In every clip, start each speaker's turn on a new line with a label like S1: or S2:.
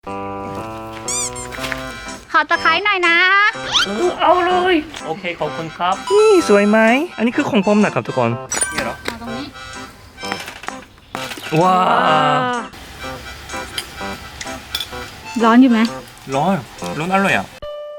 S1: ขอตะไคร้หน่อยนะ
S2: เอาเลยโอเคขอบคุณครับนี่สวยไหมอันนี้คือของผมนะครับทุกคนนี่เหรอ
S1: เอาตรงนี้
S2: ว้า
S1: ร้อนอยู่ไหม
S2: ร้อนอร่อยอ่ะ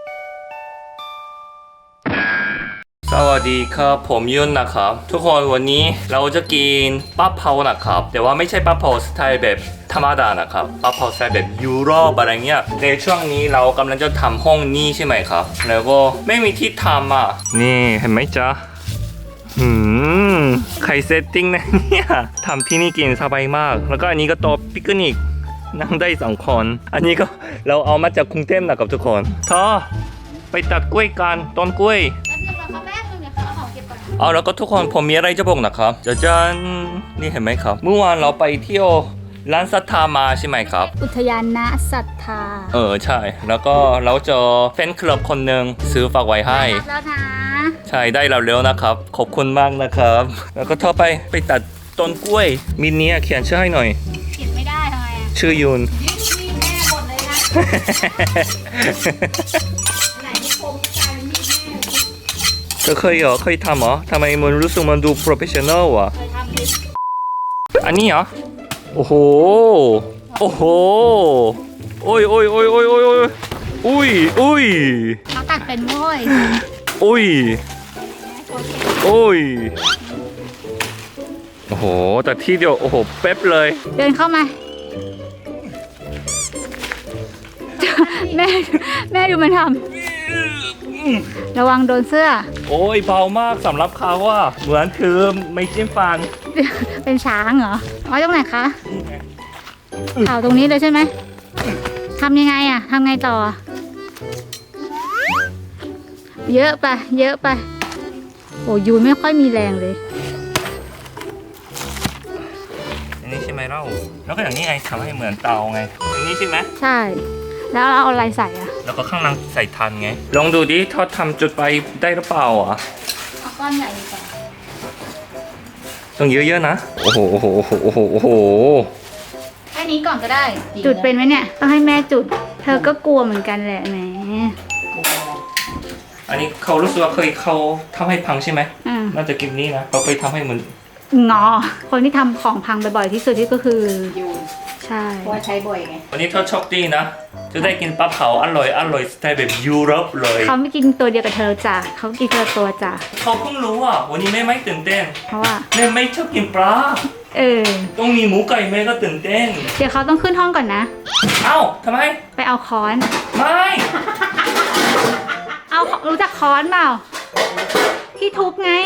S2: สวัสดีครับผมยุนนะครับทุกคนวันนี้เราจะกินปั๊บเผานะครับแต่ว่าไม่ใช่ปั๊บเผาสไตล์แบบธรรมดานะครับปั๊บเผาสไตล์แบบยุโรปอะไรเงี้ยในช่วงนี้เรากำลังจะทำห้องนี้ใช่ไหมครับแล้วก็ไม่มีที่ทำอ่ะนี่เห็นไหมจ๊ะใครเซตติ้งนะเนี่ยทำที่นี่กินสบายมากแล้วก็อันนี้ก็โต๊ะปิกนิกนั่งได้2 คนอันนี้ก็เราเอามาจากกรุงเทพนะครับทุกคนไปตัดกล้วยกันต้นกล้วยเอาแล้วก็ทุกคนผมมีอะไรจะบอกนะครับจันนี่เห็นไหมครับเมื่อวานเราไปเที่ยวร้านศรัทธามาใช่ไหมครับ
S1: อุทยานณศรัทธา
S2: ใช่แล้วก็เราเจอแฟนคลับคนหนึ่งซื้อฝากไว้ให้
S1: แล้วนะ
S2: ใช่ได้เราเร็วนะครับขอบคุณมากนะครับแล้วก็ไปตัดต้นกล้วยมินเนี่ยเขียนชื่อให้หน่อย
S1: เขียนไม่ได้ทำไมอ่ะ
S2: ชื่อยุน
S1: แม่หมดเลยนะไหนที่คมใจมีแม่
S2: เธอเคยทำเหรอทำไมมันรู้สึกมันดูโปรเฟชชั่นอลอ่ะ
S1: เคยทำดิ
S2: อันนี้เหรอโอ้โหโอ้โหโอ้ย
S1: เขาตัดเป็นโว้ย
S2: โอ้ยโอ้โหแต่ที่เดียวโอ้โหเป๊ะเลย
S1: เดินเข้ามาแม่ดูมันทำระวังโดนเสื้อ
S2: โอ้ยเบามากสำหรับเขาอ่ะเหมือนคือไม่จิ้มฟัน
S1: เป็นช้างเหรอเอาตรงไหนคะเอาตรงนี้เลยใช่ไหมทำยังไงอ่ะทำไงต่อเยอะไปโอ้ยูไม่ค่อยมีแรงเลย
S2: อันนี้ใช่ไหมเล่าแล้วก็อย่างนี้ไงทำให้เหมือนเตาไงอย่างนี้ใช่ไหม
S1: ใช่แล้วเราเอาอะไรใส่อ่ะ
S2: แล้วก็ข้างล่างใส่ทันไงลองดูดิทอดทำจุดไฟได้หรือเปล่าอ่ะ
S1: เอาก้อนใหญ่ดีกว่า
S2: ต้องเยอะๆนะโอ้โห
S1: แค่นี้ก่อนก็ได้จุดเป็นไหมเนี่ยต้องให้แม่จุดเธอก็กลัวเหมือนกันแหละแหม
S2: อันนี้เขารู้สึกว่าเขาทำให้พังใช่ไหมน่าจะกินนี้นะเขาเคยทำให้เหมือน
S1: งอคนที่ทำของพังบ่อยๆที่สุดที่ก็คือยูใช่เพราะใช้บ่อยไง
S2: วันนี้เธอโชคดีนะจะได้กินปลาเผาอร่อยสไตล์แบบยุโรปเลย
S1: เขาไม่กินตัวเดียวกับเธอจ้ะเขากินคนละตัวจ้ะ
S2: เขาเพิ่งรู้อ่ะวันนี้แม่ไม่ตื่นเต้น
S1: เพราะว่า
S2: แม่ไม่ชอบกินปลาต้องมีหมูไก่แม่ก็ตื่นเต้น
S1: เดี๋ยวเขาต้องขึ้นห้องก่อนนะ
S2: เอ้าทำไม
S1: ไปเอาค้อน
S2: ไม่
S1: เอารู้จักค้อนเปล่าที่ทุบไง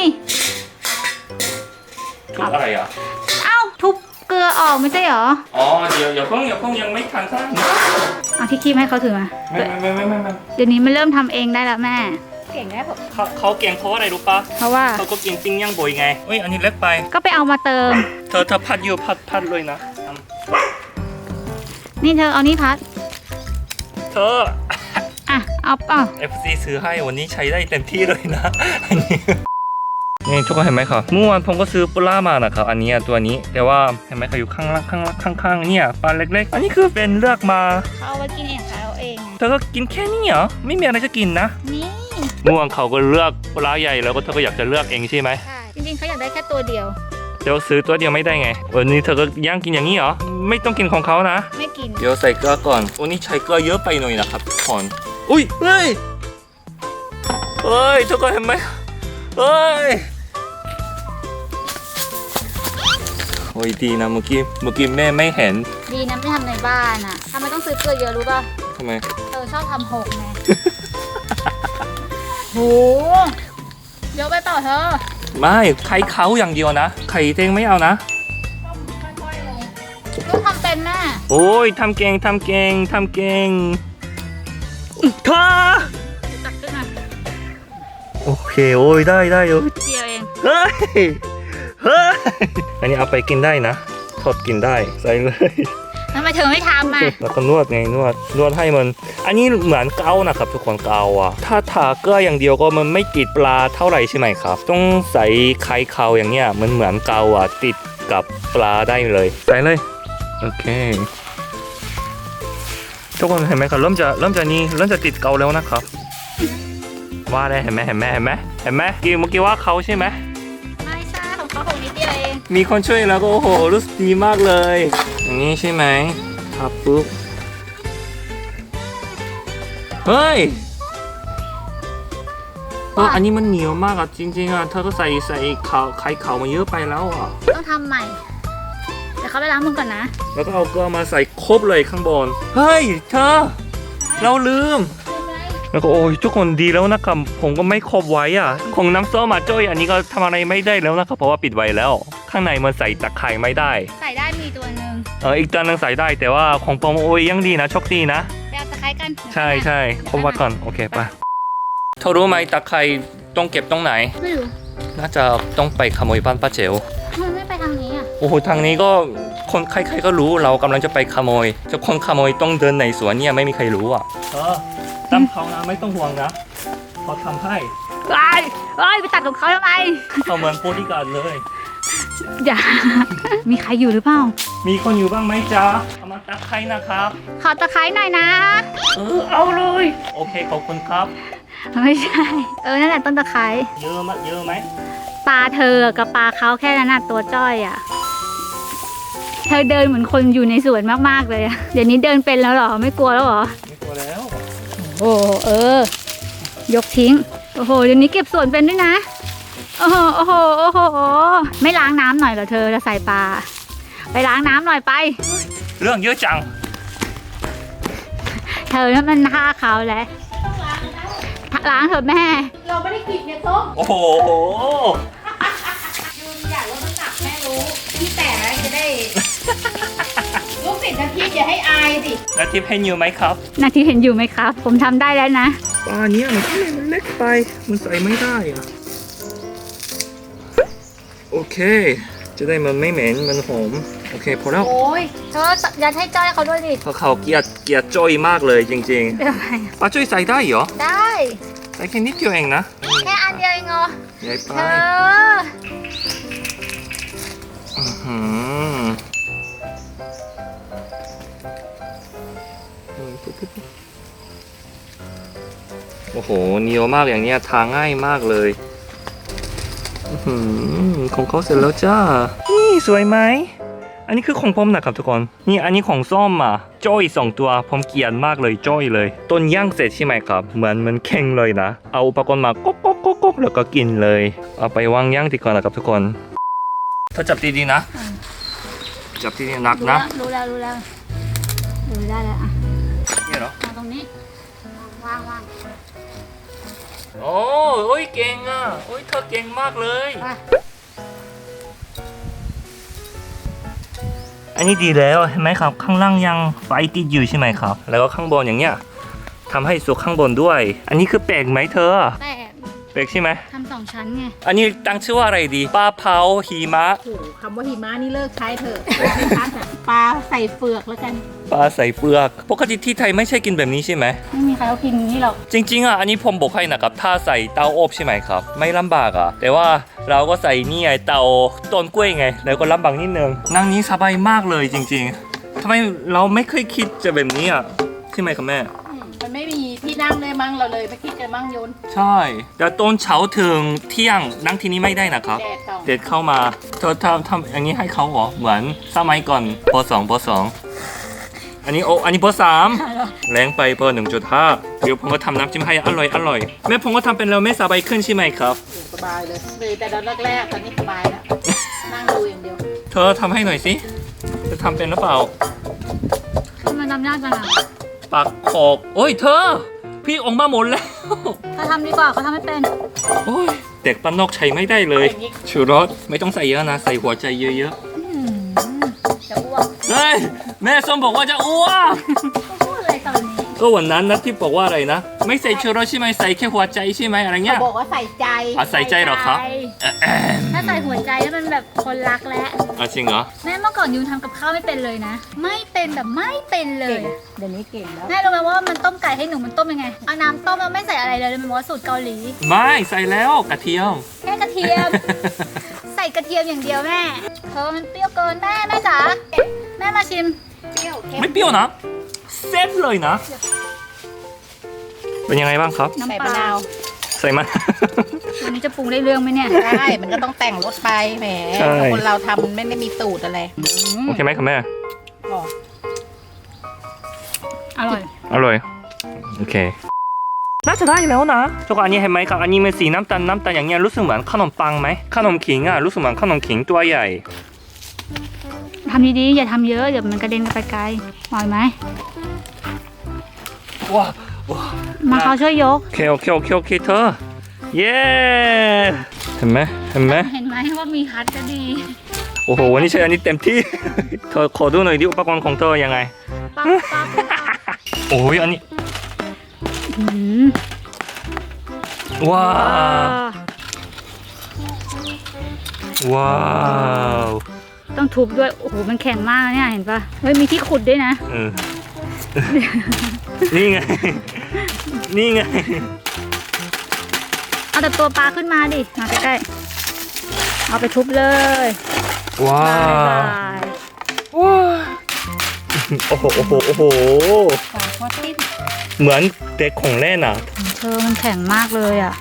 S2: ทุบอะไรอ่ะ
S1: เอ้าทุบเกลือออกไม่ใช่เหรอ
S2: อ๋อเดี๋ยวเพิ่งยังไม่ทันท่าน
S1: เอาที่คีบให้เขาถือมา
S2: ไม่
S1: เดี๋ยวนี้มันเริ่มทำเองได้แล้วแม่เก่งได้ผม
S2: เขาเก่งเพราะอะไรรู้ปะ
S1: เพราะว่า
S2: เขาก็กินปิ้งย่างบ่อยไงเอ้ยอันนี้เล็กไป
S1: ก็ไปเอามาเติม
S2: เธอพัดอยู่พัดเลยนะ
S1: นี่เธอเอานี่พัด
S2: เธอ
S1: เอา
S2: FC ซื้อให้วันนี้ใช้ได้เต็มที่เลยนะอันนี้นี่ทุกคนเห็นไหมครับเมื่อวานผมก็ซื้อปลามานะครับอันนี้ตัวนี้แต่ว่าเห็นไหมครับอยู่ข้างเนี่ยปลาเล็กๆอันนี้คือเป็นเลือกมา
S1: เขาเอาไว้กินเองค่ะเอาเอง
S2: เธอก็กินแค่นี้เหรอไม่มีอะไรจะกินนะ
S1: นี่
S2: เมื่อวานเขาก็เลือกปลาใหญ่แล้วก็เธอก็อยากจะเลือกเองใช่ไหม
S1: ใช่จริงๆเขาอยากได้แค่ตัวเดียว
S2: เดี๋ยวซื้อตัวเดียวไม่ได้ไงวันนี้เธอก็ย่างกินอย่างนี้เหรอไม่ต้องกินของเขานะ
S1: ไม่กิน
S2: เดี๋ยวใส่เกลือก่อนวันนี้ใช้เกลือเยอะไปหน่อยนะครับทุกคนอุ้ยเฮ้ยทุกคนเห็นไหมโอ้ยดีนะเมื่อกี้แม่ไม่เห็น
S1: ดีนะไม่ทำในบ้านอ่ะทำไมต้องซื้อเกลือเยอะรู้ป่ะ
S2: ทำไม
S1: เธอชอบทำหกไงโหเยอะไปเปล่าเธอ
S2: ไม่ไข่เขาอย่างเดียวนะไข่เต็งไม่เอานะ
S1: ก็ทำเป็นแม่
S2: โอ้ยทำเก่งเธอ
S1: ตักขึ้นมา
S2: โอเคโอ้ยได้
S1: เดียวเอง
S2: เฮ้ยอันนี้เอาไปกินได้นะทอดกินได้ใส่เลย
S1: ทำไมเธอไม่ทำอ่ะ
S2: แล้วก็นวดไงนวดให้มันอันนี้เหมือนเกานะครับทุกคนเกาอ่ะถ้าทาเกลืออย่างเดียวก็มันไม่ติดปลาเท่าไหร่ใช่ไหมครับต้องใส่ไข่เขาอย่างเงี้ยมันเหมือนเกาอ่ะติดกับปลาได้เลยใส่เลยโอเคทุกคนเห็นไหมครับเริ่มจะติดเกาแล้วนะครับว่าได้เห็นไหมเมื่อกี้ว่าเขาใช่ไหม
S1: ไม่ใช่ของเขาของนิดเดียวเอง
S2: มีคนช่วยแล้วก็โอ้โหรู้สึกดีมากเลยอย่างนี้ใช่ไหมครับปุ๊บเฮ้ยอันนี้มันเหนียวมากอ่ะจริงๆอ่ะเธอก็ใส่ไข่ขาวมาเยอะไปแล้วอ่ะ
S1: ต้องทำใหม่เดี๋ยวเขาไปล้างมือก่อนนะ
S2: แล้วก็เอาเกลือมาใส่ครบเลยข้างบนเฮ้ยเธอเราลืมแล้วก็โอ้ยทุกคนดีแล้วนะครับผมก็ไม่ครบไว้อ่ะของน้ำส้มมาจ้อยอันนี้ก็ทำอะไรไม่ได้แล้วนะครับเพราะว่าปิดไว้แล้วข้างในมันใส่ตะไคร่ไม่ได้
S1: ใส่ได้มีตัวหนึ่ง
S2: อีกตัวนึงใส่ได้แต่ว่าของปอมโอ้ยยังดีนะโชคดีนะ
S1: ไปเอาตะไคร้กัน
S2: ใช่ครบไว้ก่อนโอเคไปเธอรู้ไหมตะไคร่ต้องเก็บตรงไหน
S1: ไม่รู้
S2: น่าจะต้องไปขโมยบ้านป้าเจ๋ว
S1: ทำไมไม่ไปทางนี้อ่ะ
S2: โอ้โหทางนี้ก็คนใครๆก็รู้เรากำลังจะไปขโมยจะคนขโมยต้องเดินในสวนเนี่ยไม่มีใครรู้อ่ะตั้มเขานะไม่ต้องห่วงนะเขาทำให้
S1: ไปตัดของเขาทำไม
S2: เขาเหมือนโปรดิการดเลย
S1: อย่า มีใครอยู่หรือเปล่า
S2: มีคนอยู่บ้างไหมจ๊ะเอามาตะไคร้นะครับ
S1: ขอตะไคร้หน่อยนะ
S2: เอาเลยโอเคขอบคุณครับ
S1: ไม่ใช่ นั่นแหละต้นตะไคร้
S2: เยอะไหม
S1: ปลาเธอกับปลาเขาแค่นั้นน่ะตัวจ้อยอ่ะ เธอเดินเหมือนคนอยู่ในสวนมากๆเลยอะเดี๋ยวนี้เดินเป็นแล้วเหรอ ไม่กลัวแล้วเหรอ
S2: ไม่กลัวแล้ว
S1: โอ้ยกทิ้ง โอ้โห เดี๋ยวนี้เก็บสวนเป็นด้วยนะ โอ้โห ไม่ล้างน้ำหน่อยเหรอเธอจะใส่ปลา ไปล้างน้ำหน่อยไป
S2: เรื่องเยอะจัง
S1: เธอนั่นมันท่าเขาแหละล้างเถอะแม่
S3: เราไม่ได้กินเนี่ยส้ม
S2: โอ้โห
S3: ยูนอยากลดน้ำหนักแม่รู้พี่แต่จะได้ ลูกศิษย์นะพี่อย่าให้อายสิ
S2: แล้วทิปให้นิวไหมครับ
S1: นาทีเห็นอยู่ไหมครับ ผมทำได้แล้วนะ
S2: ปลาเนี้ยมันเล็กไปมันใส่ไม่ได้อะโอเค จะได้มันไม่เหม็นมันหอมโอเคพอแล้ว
S1: โอ้ยเธอยัดให้จ้อยเขาด้วยดิ
S2: เพราะเขาเกลียดจ้อยมากเลยจริง
S1: เป็นไร
S2: ๆปลาจ้อยใส่ได้เหรอ
S1: ได้
S2: ใส่แค่นิดเดียวเองนะ
S1: แค่อันเดียวเองเหรอ
S2: ใหญ่ไป
S1: เธอ
S2: หืมโอ้โหเหนียวมากอย่างเนี้ยทาง่ายมากเลยของเขาเสร็จแล้วจ้า นี่สวยไหม อันนี้คือของผมนะครับทุกคน นี่อันนี้ของส้มอ่ะจ้อย2ตัวผมเกลียดมากเลยจ้อยเลยต้นย่างเสร็จใช่ไหมครับเหมือนมันเข่งเลยนะ เอาอุปกรณ์มาก๊กแล้วก็กินเลย เอาไปวางย่างดีกว่านะครับทุกคนเธอจับดีๆนะ จับดีๆหนักนะ
S1: รู้แล้วดูได้แล้วอ่ะ
S2: เนี่ยเหรอ
S1: เอาตรงนี้วาง
S2: โอ้ยเก่งอ่ะโอ้ยเธอเก่งมากเลย
S1: ไป
S2: อันนี้ดีแล้วเห็นไหมครับข้างล่างยังไฟติดอยู่ใช่ไหมครับ แล้วก็ข้างบนอย่างเงี้ยทำให้สุกข้างบนด้วย อันนี้คือแปลกไหมเธอ
S1: แต่
S2: แปลกใช่ไหม
S1: ทำ2 ชั้นไง
S2: อันนี้ตั้งชื่อว่าอะไรดีปลาเผาหิมะ
S3: โอ้โหคำว่าหิมะนี่เลิกใช้เถอะปลาใส่เฟือกแล้วกัน
S2: ปลาใส่เปลือกปกติที่ไทยไม่ใช่กินแบบนี้ใช่ไหม
S1: ไม่มีใครเขากินอย่างนี้หรอก
S2: จริงๆอ่ะอันนี้ผมบอกให้นะครับถ้าใส่เตาอบใช่ไหมครับ ไม่ลำบากอ่ะแต่ว่าเราก็ใส่นี่ไงเตาต้นกล้วยไง แล้วก็ลำบากนิดนึงนั่งนี้สบายมากเลยจริงๆทำไมเราไม่เคยคิดจะแบบนี้อ่ะใช่ไหมครับแม่
S3: มันไม่มีที่นั่งเลยมั้งเราเลยไม่คิดจะมั่งยน
S2: ใช่แต่ตอนเช้าถึงเที่ยงนั่งที่นี่ไม่ได้นะครับ
S3: แดดส่อง
S2: เด็ดเข้ามาเธอทำอย่างนี้ให้เขาเหรอเหมือนสมัยก่อนป .2 อันนี้ป .3 แรงไปป 1.5 เดี๋ยวผมก็ทำน้ำจิ้มให้อร่อยแม่ผมก็ทำเป็นแล้วไม่สบายขึ้นใช่ไหมครับ
S3: สบายเลยแต่ตอนแรกๆตอนนี้สบายแล้ว นั่งดูอย่างเดียว
S2: เธอทำให้หน่อยสิจะทำเป็นหรือเปล่า
S1: ทำไมทำยากจังอ่ะ
S2: ปักขอกโอ้ยเธอ พี่ออกมาหมดแล้ว
S1: เขาทำดีกว่าเขาทำไม่เป็น
S2: โอ้ยเด็กปานนอกใช้ไม่ได้เลย
S3: อย่างนี้
S2: ชูรสไม่ต้องใส่เยอะนะ ใส่หัวใจเยอะ
S1: จะอ้วก
S2: ๆเฮ้ยแม่ส้มบอกว่าจะอ้วก
S1: พูดอะไรตอนนี้
S2: ก็วันนั้นนะที่บอกว่าอะไรนะ ไม่ใส่ชูรสใช่ไหมใส่แค่หัวใจใช่ไหมอะไรเงี้ย
S3: บอกว่าใส่ใจ
S2: ใส่ใจเหรอครับ
S1: ถ้าใส่หัวใจแล้วมันแบบคนรักแล้ว
S2: จริงเหรอ
S1: แม่เมื่อก่อนยูนทำกับข้าวไม่เป็นเลยนะ ไม่เป็นแบบไม่เป็นเลย
S3: เดี๋ยวนี้เก่งแล้ว
S1: แม่รู้ไหมว่ามันต้มไก่ให้หนูมันต้มยังไงเอาน้ำต้มแล้วไม่ใส่อะไรเลยมันบอกว่าสูตรเกาหลี
S2: ไม่ใส่แล้วกระเทียม
S1: แค่กระเทียม ใส่กระเทียมอย่างเดียวแม่มันเปรี้ยวเกินแม่จ๋าแม่มาชิม
S3: เปรี้ยวเค็ม
S2: ไม่เปรี้ยวนะเซ็ตเลยนะ เป็นยังไงบ้างครับ
S3: ใส่
S1: น้ำป
S3: มะ
S1: ลาน
S3: าว
S2: ใส่มา
S1: วันนี้จะปรุงได้เรื่องไหมเนี่ย
S3: ใช่มันก็ต้องแต่งรสไปแหม
S2: ใช่
S3: คนเราทำมันไม่ได้มีสูตรอะไร
S2: โอเคไหมครับแม่
S3: อ๋อ
S1: อร่อย
S2: อร่อย โอเค น่าจะได้แล้วนะทุกคนอันนี้เห็นไหมครับ อันนี้เป็นสีน้ำตาลอย่างเงี้ยรู้สึกเหมือนขนมปังไหมขนมขิงอ่ะรู้สึกเหมือนขนมขิงตัวใหญ่
S1: ทำดีๆอย่าทำเยอะเดี๋ยวมันกระเด็นกันไปไกลปล่อยไหม
S2: ว้า
S1: มาเขาช่วยยก
S2: โอเคเธอ เย้ เห็นไหม
S1: เห็นไหมว่ามีคัดก็ดี
S2: โอ้โห วันนี้ใช้อันนี้เต็มที่ เธอขอดูหน่อยดิอุปกรณ์ของเธอยังไง
S1: ปั๊บปั๊บปั๊บ
S2: โอ้ยอันนี้
S1: อืม
S2: ว้าว ว้าว
S1: ต้องทุบด้วย โอ้โห มันแข็งมากนะเนี่ยเห็นปะเฮ้ย มีที่ขุดด้วยนะ
S2: เออ นี่ไง นี่ไง
S1: เอาแต่ตัวปลาขึ้นมาดิ มาใกล้ๆ เอาไปทุบเลย
S2: ว้า
S1: บายว บาย
S2: ว้าวโอ้โห
S3: ฝาทอดติ้น
S2: เหมือนเด็กของเล่นอ่ะ
S1: เธอมันแข็งมากเลยอ่ะ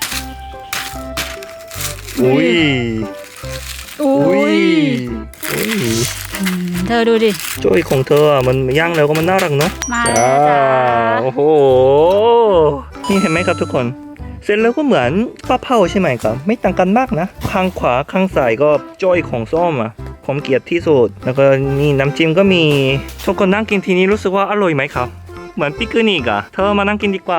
S2: อุ้ย
S1: อุ้ย
S2: อุ้ย
S1: เธอดูดิ
S2: โจ้ยของเธออ่ะมันย่างแล้วก็มันน่ารักเนาะ
S1: มา
S2: จ้า
S1: แล้วจ้า
S2: โอ้โห นี่เห็นไหมครับทุกคน เสร็จแล้วก็เหมือนปลาเผาใช่ไหมครับ ไม่ต่างกันมากนะ ข้างขวาข้างซ้ายก็จ้อยของส้มอ่ะ ผมเกลียดที่สุด แล้วก็นี่น้ำจิ้มก็มีทุกคนนั่งกินทีนี้รู้สึกว่าอร่อยไหมครับ เหมือนปิกนิกอ่ะ เธอมานั่งกินดีกว่า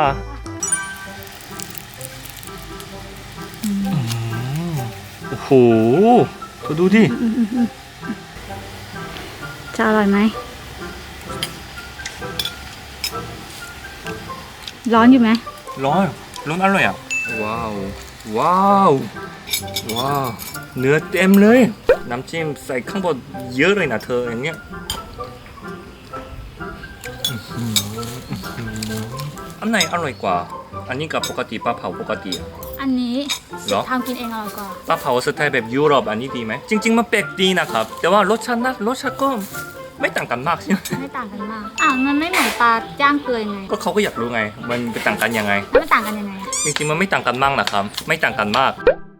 S2: โอ้โหเธอดูดิ
S1: จะอร่อยไหม ร้อนอยู่ไหม
S2: ร้อนอร่อยอ่ะ ว้าว ว้าว ว้าว เนื้อเต็มเลย น้ำจิ้มใส่ข้างบนเยอะเลยนะเธออย่างเงี้ยอันไหนอร่อยกว่า อันนี้กับปกติปลาเผาปกติอะ
S1: อันนี้
S2: เหรอ
S1: ทำกินเองอร่อยกว่า
S2: ปลาเผาสไตล์แบบยุโรปอันนี้ดีไหม จริง ๆ มันแปลกดีนะครับ แต่ว่ารสชาติก็ไม่ต่างกันมากใช่ไหม
S1: ไม่ต่างกันมาก อ่ะมันไม่เหมือนปลาย่างเกลือยังไง
S2: ก็เขาก็อยากรู้ไง มันเป็นต่างกันยังไง
S1: แล้วมันต่างกันยังไงอะ
S2: จริงๆ มันไม่ต่างกันมากนะครับ ไม่ต่างกันมาก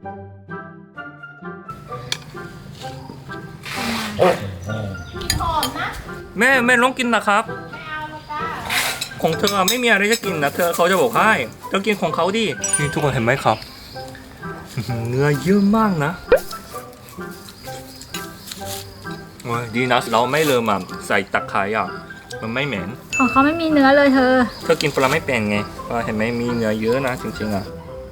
S3: หอมนะ
S2: แม่ลองกินนะครับ
S3: ไม่เอาละจ้า
S2: ของเธอไม่มีอะไรจะกินนะเธอเขาจะบอกให้เธอกินของเขาดินี่ทุกคนเห็นไหมครับ เนื้อเยอะมากนะโอ้ยดีนะเราไม่เริ่มอะใส่ตะไคร้อ่ะมันไม่เหม็น
S1: ของเขาไม่มีเนื้อเลยเธอ
S2: เธอกินปลาไม่เป็นไงว่าเห็นไหมมีเนื้อเยอะนะจริงๆอ่ะ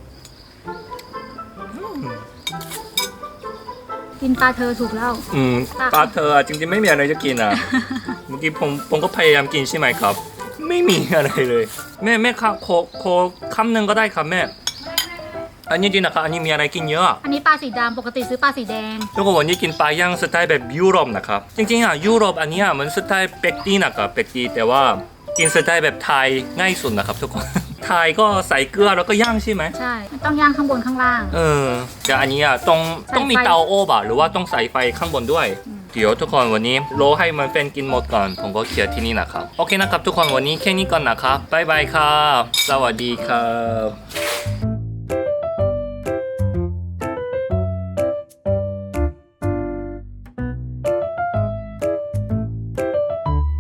S1: กินปลาเธอถูกแล้ว
S2: ปลาเธออะจริงๆไม่มีอะไรจะกินอ่ะ เมื่อกี้ผมก็พยายามกินใช่ไหมครับ ไม่มีอะไรเลย แม่ครับโคคำหนึ่งก็ได้ครับแม่ อันนี้จริงนะครับอันนี้มีอะไรกินเยอะ
S1: อันนี้ปลาสีดำปกติซื้อปลาสีแดง
S2: แล้วก็วันนี้กินปลาย่างสไตล์แบบยุโรปนะครับ จริงๆอ่ะยุโรปอันเนี้ยมันสไตล์เป็กดีนะครับเป็กดีแต่ว่ากินสไตล์แบบไทยง่ายสุดนะครับทุกคน ไทยก็ใส่เกลือแล้วก็ย่างใช่ไหม
S1: ใช่มันต้องย่างข้างบนข้างล่าง
S2: แต่อันนี้อ่ะต้องมีเตาโอบอ่ะหรือว่าต้องใส่ไฟข้างบนด้วย เดี๋ยวทุกคนวันนี้โลให้มันเป็นกินหมดก่อนผมก็เคลียร์ที่นี่นะครับโอเคนะครับทุกคนวันนี้แค่นี้ก่อนนะครับบ๊ายบายครับสวัสดีครับ